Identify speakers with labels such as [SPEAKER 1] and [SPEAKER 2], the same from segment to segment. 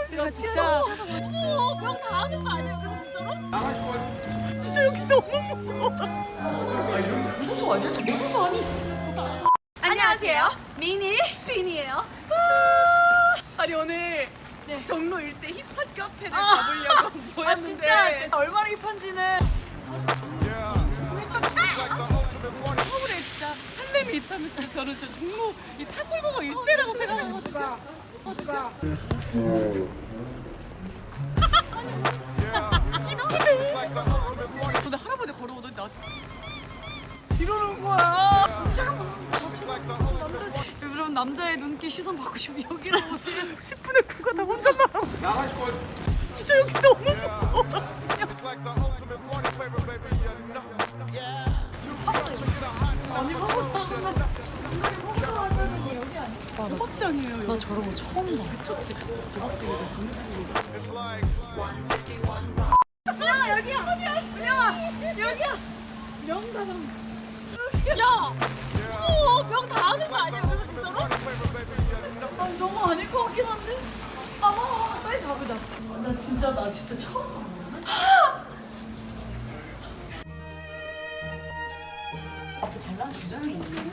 [SPEAKER 1] 제가 진짜
[SPEAKER 2] 무서워. 병 다 하는 거 아니야? 그래서 진짜로?
[SPEAKER 1] 진짜 여기 너무 무서워. 무서워 아니야? 무서워 아니? 안녕하세요. 미니 빈이에요.
[SPEAKER 2] 아니 오늘
[SPEAKER 1] 네.
[SPEAKER 2] 종로 일대 힙합 카페를 가보려고 모였는데
[SPEAKER 1] 아 진짜 얼마나 힙한지는.
[SPEAKER 2] 서울에 진짜 할렘이 있다면 진짜 저는 저 종로 이 탑골버거 일대라고 생각하거든요. 근데 할아버지 걸어오더니 나 이러는 거야.
[SPEAKER 1] 여러분 남자의 눈길 시선 받고 싶으면 여기로 오세요.
[SPEAKER 2] 10분에 그거 다 혼자만 하고 진짜 여기 너무 무서워. 도박장이에요.
[SPEAKER 1] 나 저런 거 처음 봐.
[SPEAKER 2] 미쳤지?
[SPEAKER 1] 은영아 여기야. 은영아 여기야. 명다방.
[SPEAKER 2] 야! 무서워. 병 다 하는 거 아니야? 그래서 진짜로?
[SPEAKER 1] 아 너무 아닐 것 같긴 한데. 사이즈 잡으자. 나 진짜 처음 봐. 앞에 달랑 주점이 있네.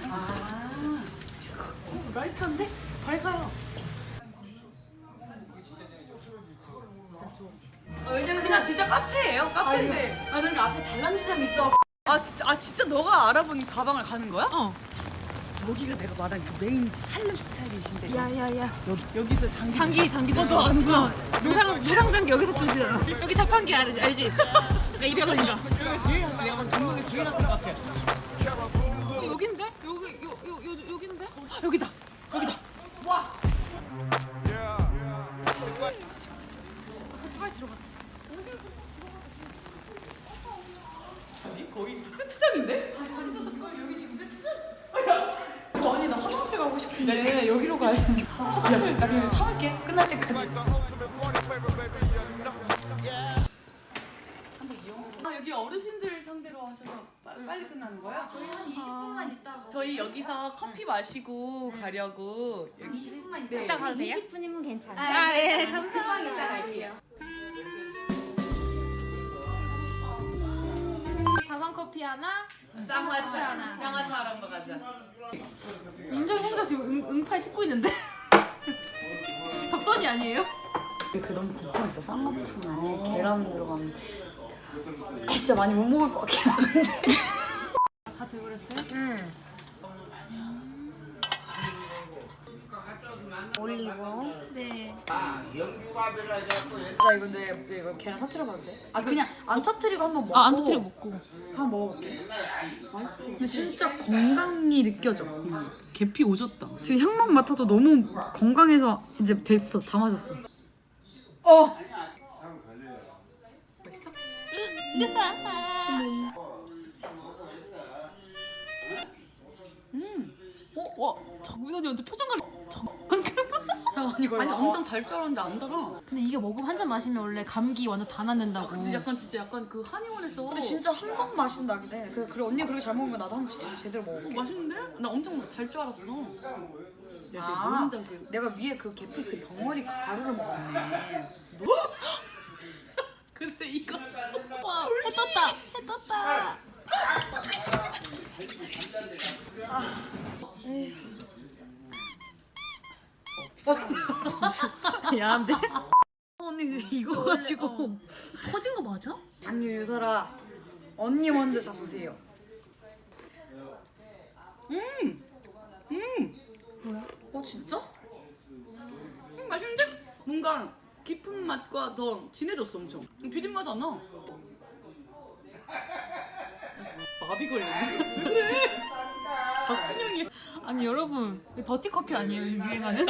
[SPEAKER 2] 라이트한데? 밝아요.
[SPEAKER 1] 왜냐면
[SPEAKER 2] 그냥 진짜 카페예요. 카페인데.
[SPEAKER 1] 그러니까 앞에 달랑 주점 있어.
[SPEAKER 2] 진짜 너가 알아본 가방을 가는 거야?
[SPEAKER 1] 어.
[SPEAKER 2] 여기가 내가 말한 그 메인 할렘 스타일이신데.
[SPEAKER 3] 야야야
[SPEAKER 2] 여기서 장기
[SPEAKER 3] 너
[SPEAKER 2] 아는구나.
[SPEAKER 3] 노상장기 여기서 뜨시잖아. 여기 자판기 알지? 야 200원인가?
[SPEAKER 2] 내가 동동에 제일 낫던 것 같아.
[SPEAKER 3] 여긴데? 여긴데?
[SPEAKER 2] 여기다.
[SPEAKER 1] 와.
[SPEAKER 2] 거의 세트장인데?
[SPEAKER 1] 여기 지금 세트장? 아니 나 화장실 가고 싶은데 여기로 가야 돼. 화장실 나 그냥 참을게. 끝날 때까지.
[SPEAKER 2] 여기 어르신들 상대로 하셔서 빨리 끝나는 거야?
[SPEAKER 1] 저희 한 20분만 있다가.
[SPEAKER 2] 저희 여기서 커피 마시고 가려고.
[SPEAKER 1] 20분만
[SPEAKER 2] 네.
[SPEAKER 3] 이따 가도 돼요?
[SPEAKER 4] 20분이면 괜찮아요.
[SPEAKER 3] 아예
[SPEAKER 1] 금방 이따 갈게요.
[SPEAKER 3] 가방 커피 하나.
[SPEAKER 2] 쌍화차 한번 가자.
[SPEAKER 3] 인정 혼자 지금 응팔 찍고 있는데. 덕선이 아니에요?
[SPEAKER 1] 그 너무 궁금했어. 쌍화탕 안에 계란 들어가면 진짜 많이 못 먹을 것 같긴 한데.
[SPEAKER 3] 다 돼버렸어요?
[SPEAKER 4] 올리고.
[SPEAKER 3] 네.
[SPEAKER 1] 나 이거 근데 이거 계란 터트려봐도 돼? 그냥 안 터트리고 한번 먹고.
[SPEAKER 3] 안 터뜨려 먹고.
[SPEAKER 1] 한번 먹어볼게. 맛있어. 근데 진짜 건강이 느껴져.
[SPEAKER 2] 계피 오졌다.
[SPEAKER 1] 지금 향만 맡아도 너무 건강해서 이제 됐어. 다 마셨어.
[SPEAKER 2] 와, 정민 언니 완전 표정 관리.
[SPEAKER 1] 잠깐 이거
[SPEAKER 2] 아니 엄청 달 줄 알았는데 안 달아.
[SPEAKER 3] 근데 이게 먹으면 한 잔 마시면 원래 감기 완전 다 낫는다고.
[SPEAKER 2] 근데 약간 진짜 약간 그 한의원에서.
[SPEAKER 1] 근데 진짜 한 번 마신다긴 해. 그래 언니 그렇게 잘 먹은 거 나도 한번 진짜 제대로 먹어볼게.
[SPEAKER 2] 맛있는데? 나 엄청 달 줄 알았어. 야, 내
[SPEAKER 1] 아,
[SPEAKER 2] 노른자그.
[SPEAKER 1] 내가 위에 그 계피 그 덩어리 가루를 먹었네.
[SPEAKER 2] 글쎄 이거.
[SPEAKER 3] 와, 해 떴다. 야한데?
[SPEAKER 1] 언니 이거 가지고
[SPEAKER 3] 터진 거 맞아?
[SPEAKER 1] 당뇨 유서라 언니 먼저 잡수세요. 진짜?
[SPEAKER 2] 맛있는데? 뭔가 깊은 맛과 더 진해졌어 엄청. 비린 맛 안 나. 마비 걸렸네. 왜 그래? 박진영이.
[SPEAKER 3] 아니 여러분 이거 더티 커피 아니에요 요즘 유행하는?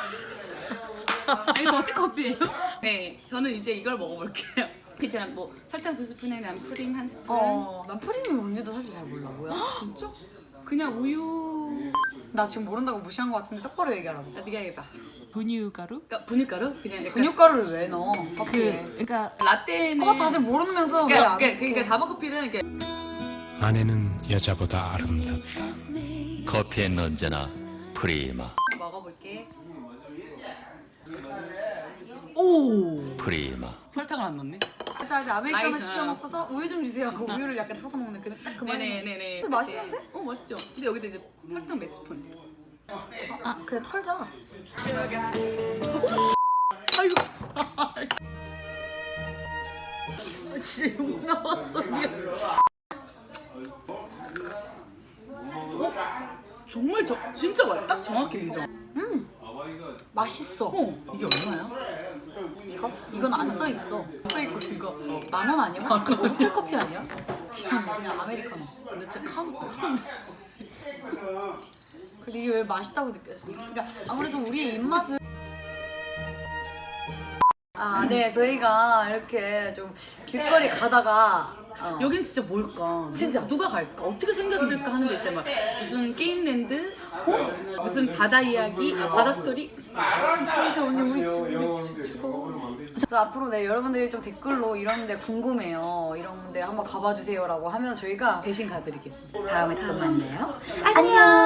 [SPEAKER 3] 아니 더티 커피예요?
[SPEAKER 2] 네, 저는 이제 이걸 먹어볼게요. 그잖아, 뭐 설탕 2스푼에 난 프림 1스푼.
[SPEAKER 1] 난 프리미엄 뭔지도 사실 잘 몰라. 뭐야?
[SPEAKER 2] 진짜? 그냥 우유.
[SPEAKER 1] 나 지금 모른다고 무시한 거 같은데 똑바로 얘기하라고.
[SPEAKER 2] 야, 네가 해봐.
[SPEAKER 3] 분유가루?
[SPEAKER 2] 그러니까 분유가루? 그냥 약간
[SPEAKER 1] 분유가루를 왜 넣어? 커피에.
[SPEAKER 3] 그러니까
[SPEAKER 2] 라떼는.
[SPEAKER 1] 다들 모르면서 왜
[SPEAKER 2] 그러니까,
[SPEAKER 1] 안
[SPEAKER 2] 그러니까,
[SPEAKER 1] 시켜?
[SPEAKER 2] 그러니까 다방커피는 이렇게.
[SPEAKER 5] 아내는 여자보다 아름답다.
[SPEAKER 6] 커피엔 언제나 프리마.
[SPEAKER 2] 먹어볼게.
[SPEAKER 1] 오
[SPEAKER 2] 오.
[SPEAKER 4] 프리마.
[SPEAKER 2] 설탕을 안 넣네.
[SPEAKER 1] 일단 이제 아메리카노
[SPEAKER 2] 나이스.
[SPEAKER 1] 시켜 먹고서 우유 좀 주세요 하고 우유를 약간 타서 먹는 그 말이.
[SPEAKER 2] 네네네네.
[SPEAKER 1] 근데 맛있는데?
[SPEAKER 2] 맛있죠. 근데 여기다 이제 설탕 몇 스푼.
[SPEAKER 1] 아 그냥 털자.
[SPEAKER 2] 아이고.
[SPEAKER 1] 진짜 욕 나왔어.
[SPEAKER 2] 정말 진짜 맛. 딱 정확히 인정.
[SPEAKER 1] 맛있어.
[SPEAKER 2] 이게 얼마야?
[SPEAKER 1] 이건 안 써 있어. 써 있고 이거 10,000원 아니야? 이거 호텔 커피 아니야? 이건 그냥 아메리카노.
[SPEAKER 2] 근데 진짜 캄.
[SPEAKER 1] 근데 이게 왜 맛있다고 느꼈어? 그러니까 아무래도 우리의 입맛은 네 저희가 이렇게 좀 길거리 가다가
[SPEAKER 2] 여긴 진짜 뭘까?
[SPEAKER 1] 진짜.
[SPEAKER 2] 누가 갈까? 어떻게 생겼을까 하는 게 있잖아. 막 무슨 게임랜드? 무슨 바다 이야기? 바다 스토리?
[SPEAKER 1] 진짜 언니 우리 죽어. 그래서 앞으로 여러분들이 좀 댓글로 이런데 궁금해요. 이런데 한번 가봐 주세요라고 하면 저희가
[SPEAKER 2] 대신 가드리겠습니다.
[SPEAKER 1] 다음에 또 만나요. 안녕.